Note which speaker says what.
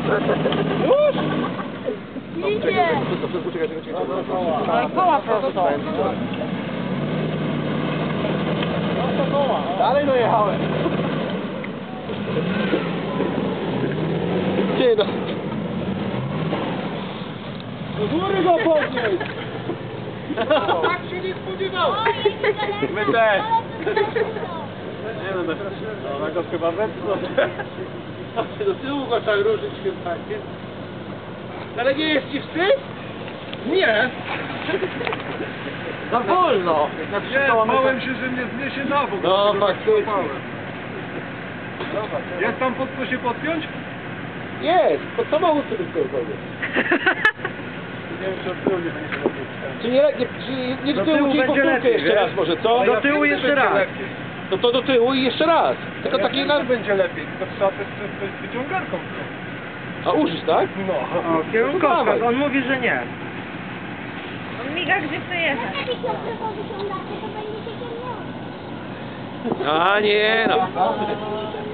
Speaker 1: Już?
Speaker 2: Idzie!
Speaker 1: Czekaj.
Speaker 2: No koła prosto.
Speaker 1: Dalej dojechałem. Gdzie no? Do góry go podnieść! Tak się nie spodziewałem!
Speaker 2: My też.
Speaker 1: Nie no, ona go chyba wepchnął. Do tyłu go tak ruszyć chyba. Ale nie jest ci wstyd? Nie. Za wolno.
Speaker 3: Bałem się, że mnie zniesie na bok.
Speaker 1: No faktycznie.
Speaker 3: Jest tam pod co się podpiąć?
Speaker 1: Jest, pod samochód sobie tylko.
Speaker 3: Nie wiem, czy od tyłu nie będzie się podpiąć.
Speaker 1: Czy nie do tyłu, czyli powtórkę jeszcze raz może, co?
Speaker 3: Do tyłu jeszcze raz.
Speaker 1: No to do tyłu i jeszcze raz. Tylko taki na...
Speaker 3: będzie lepiej, tylko trzeba też coś wyciągarką.
Speaker 1: A użyć, tak?
Speaker 3: No.
Speaker 4: O, kierunkowskaz, on mówi, że nie.
Speaker 2: On miga, gdzie chce jechać.
Speaker 1: A nie no.